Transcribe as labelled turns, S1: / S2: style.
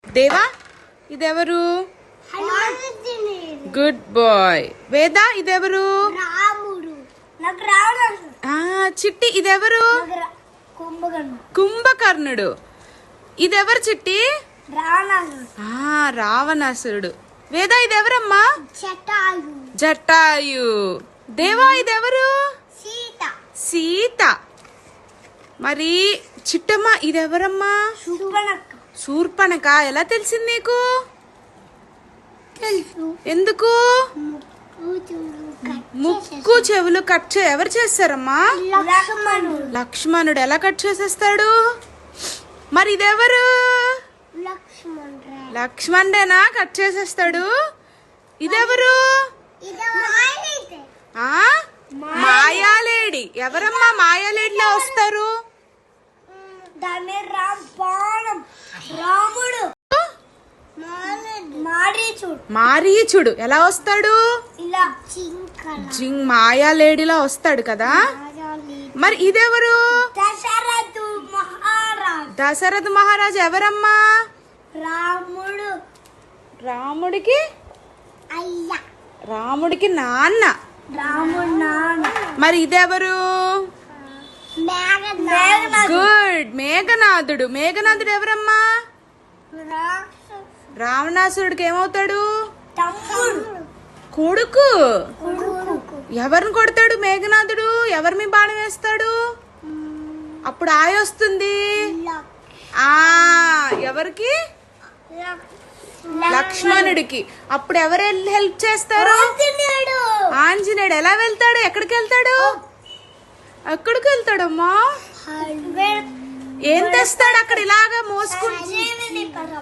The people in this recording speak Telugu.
S1: దేవా ఇదెవరు? Good bye. వేద ఇదెవరు? చిట్టి ఇదెవరు? కుంభకర్ణుడు. ఇదెవరు చిట్టి? రావణాసురుడు. వేద ఇదెవరమ్మా? జటాయు. దేవా ఇదెవరు? సీత. మరి చిట్టమ్మ ఇదెవరమ్మా? శూర్పణఖ. ఎలా తెలిసింది నీకు? ఎందుకు? ముక్కు చెవులు కట్ ఎవరు చేస్తారమ్మా? లక్ష్మణుడు. ఎలా కట్ చేసేస్తాడు? మరి ఇదెవరు? లక్ష్మణుడేనా కట్ చేసేస్తాడు? ఇదెవరు? మాయాలేడి. ఎవరమ్మా మాయాలేడిలో వస్తారు? మారీచుడు. ఎలా వస్తాడు? మాయాలేడిలా వస్తాడు కదా. మరి ఇదెవరు? దశరథ మహారాజు. ఎవరమ్మా? రాముడికి నాన్న. మరి ఇదెవరు? గుడ్. మేఘనాథుడు. మేఘనాథుడు ఎవరమ్మా? రావణాసురుడికి ఏమవుతాడు? కొడుకు. ఎవరిని కొడతాడు మేఘనాథుడు? ఎవరి మీ బాణం వేస్తాడు? అప్పుడు ఆయ వస్తుంది. ఎవరికి? లక్ష్మణుడికి. అప్పుడు ఎవరు హెల్ప్ చేస్తారు? ఆంజనేయుడు. ఎలా వెళ్తాడు? ఎక్కడికి వెళ్తాడు? ఎక్కడికి వెళ్తాడమ్మా? ఏం తెస్తాడు అక్కడ ఇలాగా మోసుకుంటూ?